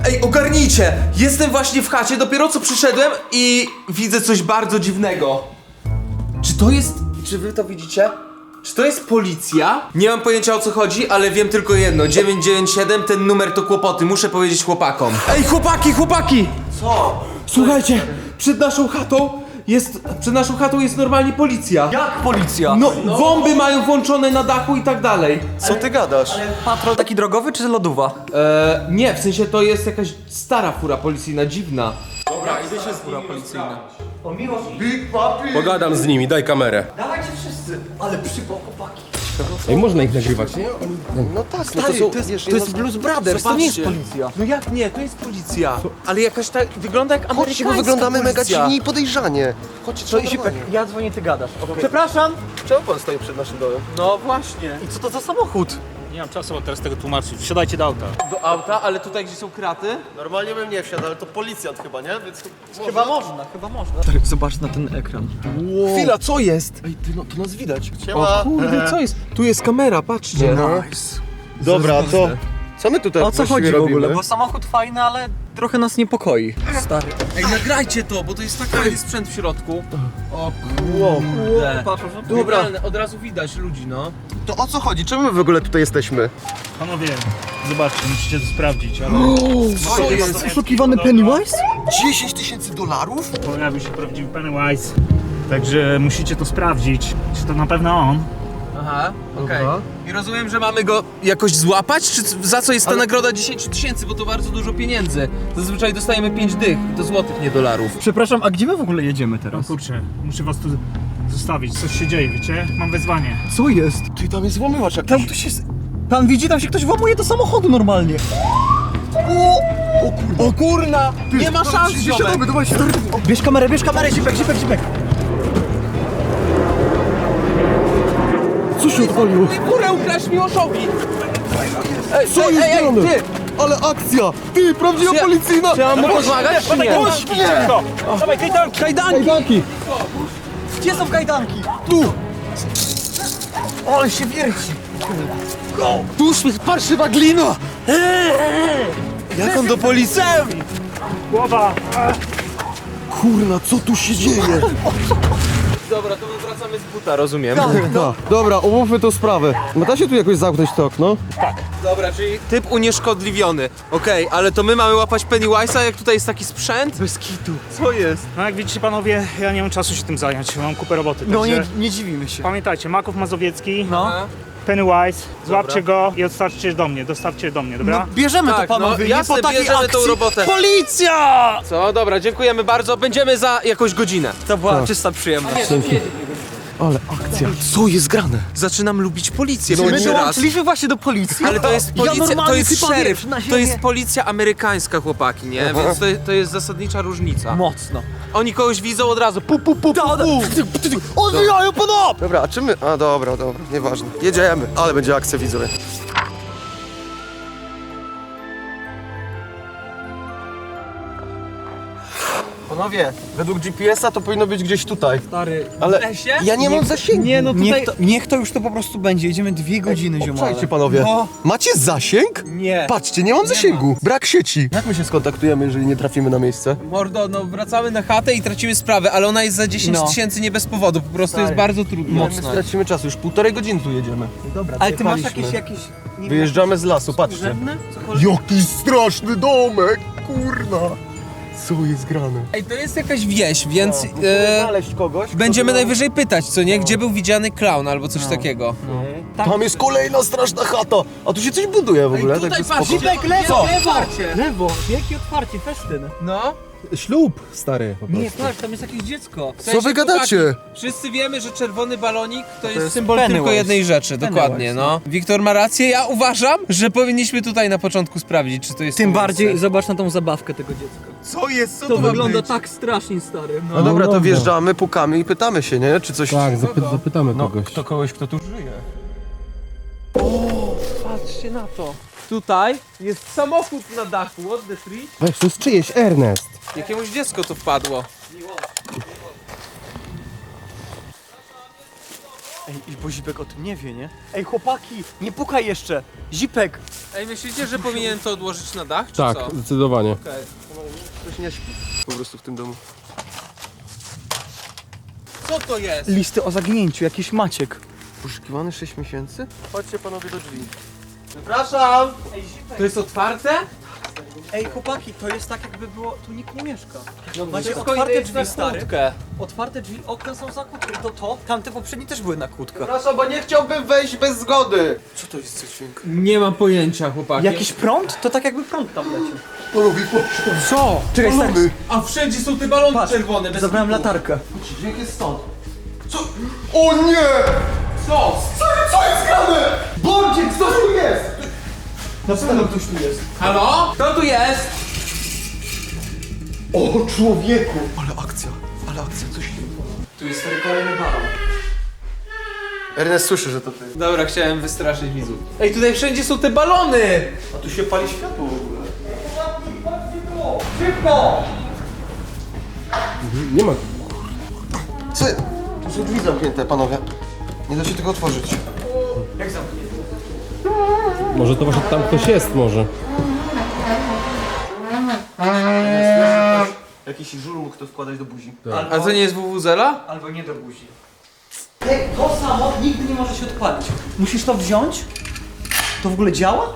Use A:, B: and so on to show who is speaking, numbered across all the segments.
A: Ej, ogarnijcie! Jestem właśnie w chacie, dopiero co przyszedłem i widzę coś bardzo dziwnego. Czy to jest... Czy wy to widzicie? Czy to jest policja? Nie mam pojęcia o co chodzi, ale wiem tylko jedno. 997, ten numer to kłopoty, muszę powiedzieć chłopakom. Ej, chłopaki!
B: Co?
A: Słuchajcie, przed naszą chatą jest normalnie policja.
B: Jak policja?
A: No, bomby mają włączone na dachu i tak dalej.
B: Co ty gadasz? Patrol taki drogowy czy lodowa?
A: Nie, w sensie to jest jakaś stara fura policyjna, dziwna.
C: Pogadam z nimi, daj kamerę.
B: Dawajcie wszyscy. Ale przypał chłopaki.
C: Ej, można ich nagrywać, nie?
B: No tak, to jest Blues Brothers, to nie jest policja.
A: No jak nie, to jest policja. Ale jakaś tak, wygląda jak amerykańska
D: Chodźcie, bo wyglądamy mega
A: policja.
D: dziwnie i podejrzanie. Chodźcie,
B: To Zipek, ja dzwonię, ty gadasz. Przepraszam.
D: Czemu pan stoi przed naszym domem?
A: No właśnie.
B: I co to za samochód?
E: Nie mam czasu, bo teraz tego tłumaczyć. Wsiadajcie do auta.
A: Do auta, ale tutaj gdzie są kraty?
D: Normalnie bym nie wsiadł, ale to policjant chyba, nie? Więc
B: Chyba można. Zobacz na ten ekran.
A: Chwila, co jest?
D: Ej, ty, no to nas widać.
A: O
D: Siema.
A: kurde, co jest? Tu jest kamera, patrzcie.
D: Nice. Dobra, co my tutaj
B: O co
D: właściwie
B: chodzi w ogóle?
D: robimy?
B: Bo samochód fajny, ale trochę nas niepokoi. Stary.
A: Ej, nagrajcie to, bo to jest taki fajny sprzęt w środku. O
D: Wow.
A: dobra, od razu widać ludzi, no.
D: To o co chodzi? Czemu my w ogóle tutaj jesteśmy?
E: Panowie, zobaczcie, musicie to sprawdzić, ale...
A: Co jest?
B: Oszukiwany Pennywise?
D: 10 000 dolarów?
E: Pojawił się prawdziwy Pennywise. Także musicie to sprawdzić, czy to na pewno on.
A: Aha, okej. I rozumiem, że mamy go jakoś złapać? Czy za co jest ta nagroda 10 000? Bo to bardzo dużo pieniędzy. Zazwyczaj dostajemy 5 dych. To złotych, nie dolarów.
B: Przepraszam, a gdzie my w ogóle jedziemy teraz?
E: Kurczę, muszę was tu zostawić. Coś się dzieje, wiecie? Mam wezwanie.
B: Co jest?
D: Ty, tam jest włamywacz jakiś.
B: Tam ktoś jest... Pan widzi, tam się ktoś włamuje do samochodu normalnie.
A: O kurna! Nie ma szans, ziomek!
D: Dawaj, stary.
B: Bierz kamerę, Zipek.
D: Co się odwaliło?
A: Ty kurę ukraść Miłoszowi! Ej,
D: Co jest grane?
A: ty!
D: Ale akcja! Ty, prawdziwa
A: Czy ja-
D: policyjna!
A: Czy ja mam mu pomagać, czy nie?
E: Dawaj, kajdanki!
A: Kajdanki!
B: Gdzie są kajdanki?
D: Tu!
B: Ale się wierci.
D: Tu parszywa glina!
A: Jak on do policji?
E: Głowa!
D: Kurna, co tu się dzieje?
A: Dobra, to my wracamy z buta, rozumiem.
D: Dobra, omówmy tą sprawę. No da się tu jakoś zamknąć to okno?
A: Dobra, czyli typ unieszkodliwiony. Okej, ale to my mamy łapać Pennywise'a, jak tutaj jest taki sprzęt? Bez kitu. Co jest?
E: No jak widzicie panowie, ja nie mam czasu się tym zająć, mam kupę roboty.
B: No
E: Także
B: nie dziwimy się.
E: pamiętajcie, Maków Mazowiecki,
B: No.
E: Pennywise, złapcie go i dostawcie do mnie, dobra?
B: Bierzemy
A: Tak,
B: to panowie,
A: no,
B: nie
A: jasne,
B: po takiej
A: bierzemy tą
B: akcji.
A: robotę.
B: Policja!
A: Co? Dobra, dziękujemy bardzo. Będziemy za jakąś godzinę.
B: To była czysta przyjemność.
D: Ale akcja. Co jest grane?
A: Zaczynam lubić policję
B: My
A: pierwszy raz.
B: dołączyliśmy właśnie do policji.
A: Ale to jest policja, to
B: normalnie
A: jest
B: sypam,
A: szeryf,
B: wiesz, na
A: to
B: ziemię.
A: jest policja amerykańska, chłopaki, nie? Więc to jest zasadnicza różnica.
B: Mocno.
A: Oni kogoś widzą od razu, pu.
B: Odbijają pana!
D: Dobra, a czy my... A dobra, nieważne. Jedziemy, ale będzie akcja, widzowie. Panowie, według GPS-a to powinno być gdzieś tutaj.
B: Stary,
D: Ale
A: lesie?
D: ja nie mam zasięgu.
B: nie no tutaj... Niech to już to po prostu będzie, jedziemy 2 godziny, ziomale.
D: Słuchajcie panowie,
B: No.
D: macie zasięg?
B: Nie.
D: Patrzcie, nie mam zasięgu. Brak sieci. Jak my się skontaktujemy, jeżeli nie trafimy na miejsce?
A: Mordo, no wracamy na chatę i tracimy sprawę, ale ona jest za 10
B: No.
A: 000 nie bez powodu, po prostu jest bardzo trudno.
D: My stracimy czas, już 1,5 godziny tu jedziemy.
B: Ale ty masz
D: Jechaliśmy.
B: jakieś... nie
D: Wyjeżdżamy z lasu, patrzcie.
B: Drzewne?
D: Jaki straszny domek, kurna. Co jest grane?
A: Ej, to jest jakaś wieś, więc
D: Znaleźć kogoś. kto
A: będziemy
D: by nam-
A: najwyżej pytać, co nie? Gdzie był widziany klaun albo coś takiego.
D: Tam jest kolejna straszna chata. A tu się coś buduje w ogóle.
A: tutaj
D: także
A: patrz,
D: spoko.
A: Zipek,
B: Lewo, lewo, wielkie otwarcie, festyn.
A: No.
C: Ślub, stary. Po
B: Nie,
C: prostu.
B: patrz, tam jest jakieś dziecko.
A: W sensie,
D: Co wy gadacie?
A: chłopaki, wszyscy wiemy, że czerwony balonik to jest symbol
B: Pennywise.
A: tylko jednej rzeczy, dokładnie, no. Wiktor ma rację, ja uważam, że powinniśmy tutaj na początku sprawdzić, czy to jest
B: Tym
A: to
B: bardziej
A: miejsce.
B: zobacz na tą zabawkę tego dziecka.
A: Co jest? Co
B: To
A: ma
B: wygląda
A: być?
B: tak strasznie, stary.
D: No dobra, to
C: dobra.
D: wjeżdżamy, pukamy i pytamy się, nie? Czy coś...
C: Tak, zapytamy kogoś.
D: kogoś, kto tu żyje.
A: Patrzcie na to. Tutaj jest samochód na dachu, what the tree?
C: Weź, to jest czyjeś, Ernest.
A: Jakiemuś dziecko tu wpadło.
B: Ej, bo Zipek o tym nie wie, nie? Ej, chłopaki, nie pukaj jeszcze! Zipek!
A: Ej, myślicie, że powinien to odłożyć na dach, czy
C: Tak,
A: co?
C: zdecydowanie.
D: Ktoś nie śpi po prostu w tym domu.
A: Co to jest?
B: Listy o zaginięciu, jakiś Maciek.
D: Poszukiwany 6 miesięcy? Chodźcie panowie do drzwi.
A: Przepraszam!
B: Ej, Zipek!
A: To jest otwarte?
B: Ej, chłopaki, to jest tak jakby było, tu nikt nie mieszka. No macie
A: Wszystko
B: otwarte
A: jest na
B: drzwi, stary.
A: kłódkę.
B: Otwarte drzwi, okna są za kłódką. To, tamte poprzednie też były na kłódkę.
D: Przepraszam, bo nie chciałbym wejść bez zgody. Co to jest za dźwięk?
A: Nie mam pojęcia, chłopaki.
B: Jakiś prąd? To tak jakby prąd tam leciał.
D: Panowie, chodźcie.
A: Co?
B: Czekaj, stary.
D: Balony.
A: A wszędzie są te balony
B: Patrz,
A: czerwone, bez
B: zabrałem
A: kitu.
B: latarkę.
D: Dźwięk jest stąd. Co? O nie!
A: Co?
D: Co jest grane? Bordziek, co tu jest?
B: Na pewno ktoś tu jest.
A: Halo? Kto tu jest?
D: O człowieku! Ale akcja, coś się...
B: Tu jest stary kolejny balon.
D: Ernest słyszy, że to ty.
A: Dobra, chciałem wystraszyć widzów. Ej, tutaj wszędzie są te balony!
D: A tu się pali światło w ogóle.
B: Szybko!
C: Nie ma.
D: Co? Tu są drzwi zamknięte, panowie. Nie da się tego otworzyć.
B: Jak zamknięty?
C: Może to właśnie tam ktoś jest może.
D: Jakiś żur mógł to wkładać do buzi.
A: A to nie jest WWZela?
B: Albo nie do buzi. Ej, to samo nigdy nie może się odpalić. Musisz to wziąć? To w ogóle działa?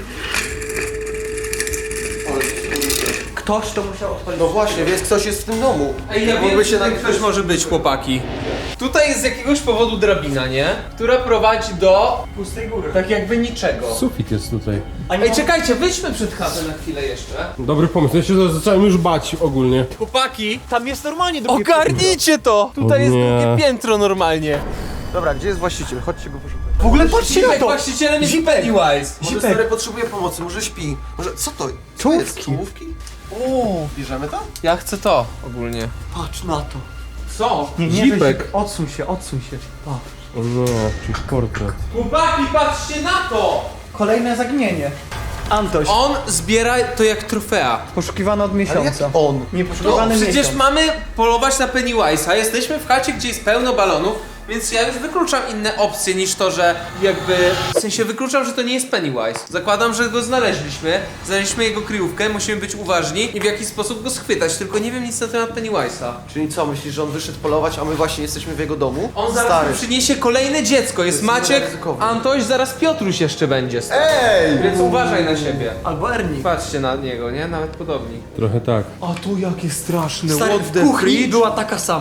B: Ktoś to musiał odpalić.
D: No właśnie, więc ktoś jest w tym domu.
A: Ej, ja
D: Mógłby
A: wiem,
D: się
A: że
D: na
A: ktoś może być, chłopaki. Tutaj jest z jakiegoś powodu drabina, nie? Która prowadzi do...
B: Pustej góry.
A: tak jakby niczego.
C: Sufit jest tutaj.
A: Ej, czekajcie, wyjdźmy przed chatę na chwilę jeszcze.
C: Dobry pomysł, ja się zacząłem już bać ogólnie.
A: Chłopaki,
B: Tam jest normalnie drugie
A: ogarnijcie to! Tutaj
C: O
A: jest
C: nie.
A: drugie piętro normalnie.
D: Dobra, gdzie jest właściciel? Chodźcie go poszukać.
B: W ogóle patrzcie na
A: Zipek,
B: to!
A: właścicielem jest Pennywise.
D: Może
B: Zipek.
D: stary potrzebuje pomocy, może śpi. Może... Co to? Co
B: Czołówki.
D: jest? Czołówki?
B: O,
D: Bierzemy to?
A: Ja chcę to ogólnie.
B: patrz na to.
A: Co?
B: Nie, nie,
A: Zipek.
B: weź, odsuń się, odsuń się. Patrz.
C: O nie, jakiś portret.
A: Chłopaki, patrzcie na to!
B: Kolejne zaginienie. Antoś,
A: On zbiera to jak trofea.
B: poszukiwany od
D: Ale jak
B: miesiąca.
D: on?
B: Nie poszukiwany
A: Przecież
B: miesiąc.
A: mamy polować na Pennywise'a, jesteśmy w chacie, gdzie jest pełno balonów, więc ja już wykluczam inne opcje niż to, że jakby... W sensie wykluczam, że to nie jest Pennywise. Zakładam, że go znaleźliśmy jego kryjówkę, musimy być uważni i w jakiś sposób go schwytać, tylko nie wiem nic na temat Pennywise'a.
D: Czyli co, myślisz, że on wyszedł polować, a my właśnie jesteśmy w jego domu?
A: On zaraz
D: Stary.
A: tu przyniesie kolejne dziecko, jest
D: mega
A: Maciek,
D: ryzykowne.
A: Antoś, zaraz Piotruś jeszcze będzie.
D: Ej!
A: Więc uważaj na siebie.
B: Albo Ernie.
A: Patrzcie na niego, nie? Nawet podobni.
C: Trochę tak.
A: A tu jakie straszne,
B: Stary, w kuchni była taka sama.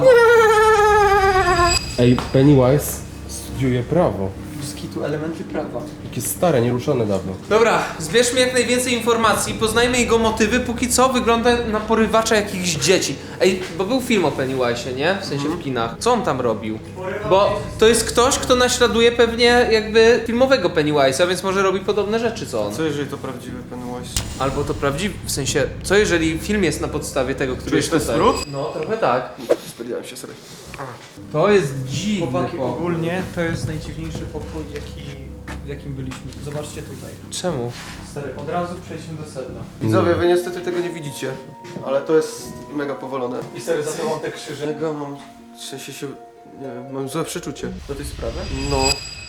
C: Ej, Pennywise studiuje prawo.
B: Z kitu elementy prawa.
C: Jakie stare, nieruszone dawno.
A: Dobra, zbierzmy jak najwięcej informacji, poznajmy jego motywy, póki co wygląda na porywacza jakichś dzieci. Ej, bo był film o Pennywise'ie, nie? W sensie w kinach. Co on tam robił? Bo to jest ktoś, kto naśladuje pewnie jakby filmowego Pennywise'a, więc może robi podobne rzeczy co on.
D: Co jeżeli to prawdziwy Pennywise?
A: Albo to prawdziwy, w sensie, co jeżeli film jest na podstawie tego, który jest
D: to jest
A: tutaj?
D: smród?
A: No, trochę tak.
D: Spodziewałem się, sorry.
A: To jest dziwny
B: Chłopaki,
A: pokój.
B: ogólnie to jest najdziwniejszy pokój, w jakim byliśmy. Zobaczcie tutaj.
A: Czemu?
B: Stary, od razu przejdźmy do sedna.
D: Widzowie, wy niestety tego nie widzicie, ale to jest mega powolone.
B: I stary, za tobą te krzyże.
D: Mega mam... W sensie się... Nie wiem, mam złe przeczucie.
B: Do tej sprawy?
D: No.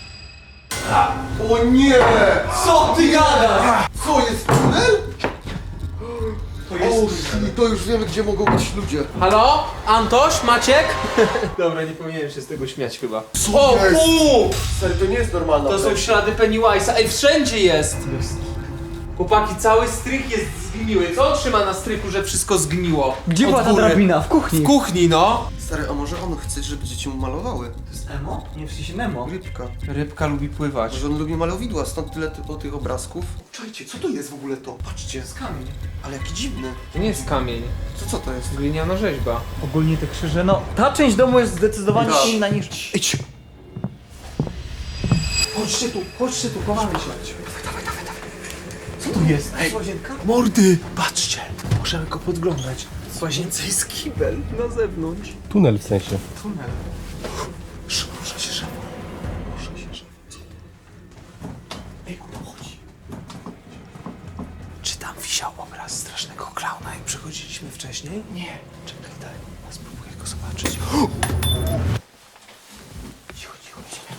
D: O nie!
B: Co ty gadasz?
D: Co jest tunel?
B: To
D: O shit, to już wiemy, gdzie mogą być ludzie.
A: Halo? Antoś? Maciek? Dobra, nie powinienem się z tego śmiać chyba.
D: Co
A: O,
D: jest?
A: fu!
D: Stary, to nie jest normalne.
A: To są ślady Pennywise'a. Ej, wszędzie jest! Chłopaki, cały strych jest zgniły. Co on trzyma na strychu, że wszystko zgniło?
B: Gdzie
A: Od
B: była ta
A: góry?
B: drabina? W kuchni.
A: W kuchni, no.
D: Stary, a może on chce, żeby dzieci mu malowały?
B: To jest Emo? Nie, w sensie Nemo.
D: Rybka.
A: Rybka lubi pływać.
D: Może on lubi malowidła, stąd tyle tych obrazków. Czajcie, co to jest w ogóle to? Patrzcie.
B: Z kamień.
D: Ale jaki dziwny.
A: To nie jest kamień.
D: Co to jest?
A: Gliniana rzeźba.
B: Ogólnie te krzyże, no ta część domu jest zdecydowanie
D: Tak.
B: inna niż...
D: Idź!
A: Chodźcie tu, kochamy się.
B: Co tu jest? Ej, łazienka?
A: Mordy! Patrzcie, możemy go podglądać. W łazience jest kibel na zewnątrz.
C: Tunel w sensie.
A: Tunel. Rusza się żabu. Ej, chodź. Czy tam wisiał obraz strasznego klauna, jak przychodziliśmy wcześniej? Nie. Czekaj, daj. Ja spróbuję go zobaczyć. Cicho, cicho, cicho.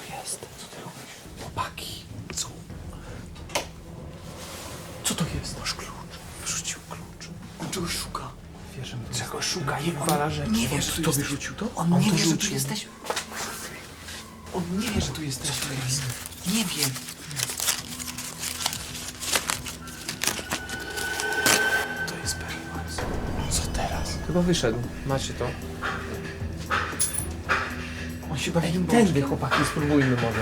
B: Co to jest? Masz klucz. Wrzucił klucz. On czegoś szuka. Wierzymy.
A: Czego szuka i wywala rzeczy.
B: Nie wie, że tu jesteś.
A: wyrzucił to?
B: On nie wie, że tu jesteśmy. On nie wie, że tu jesteśmy. Nie wie.
A: To jest Pennywise. Co teraz? Chyba wyszedł. Macie to.
B: On się bawi
A: Tędy, chłopaki, spróbujmy może.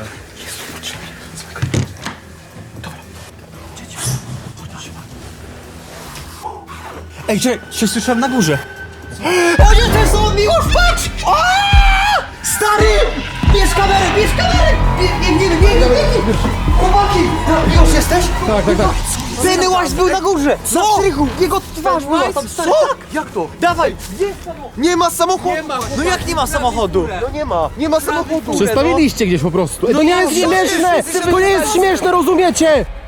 B: Ej, czekaj, się słyszałem na górze. O nie, to jest on, Miłosz, patrz! O! Stary! Bierz kamerę, bierz kamerę! Biegnij! Chłopaki! Miłosz jesteś?
C: Tak.
B: Pennywise był na górze! Na strychu! Jego twarz była tam, stary! Tak! Jak to? Dawaj!
D: Nie ma samochodu!
B: No jak nie ma samochodu?
D: No nie ma! Nie ma samochodu!
C: Przestawiliście gdzieś po prostu. To nie jest śmieszne! To nie jest śmieszne, rozumiecie?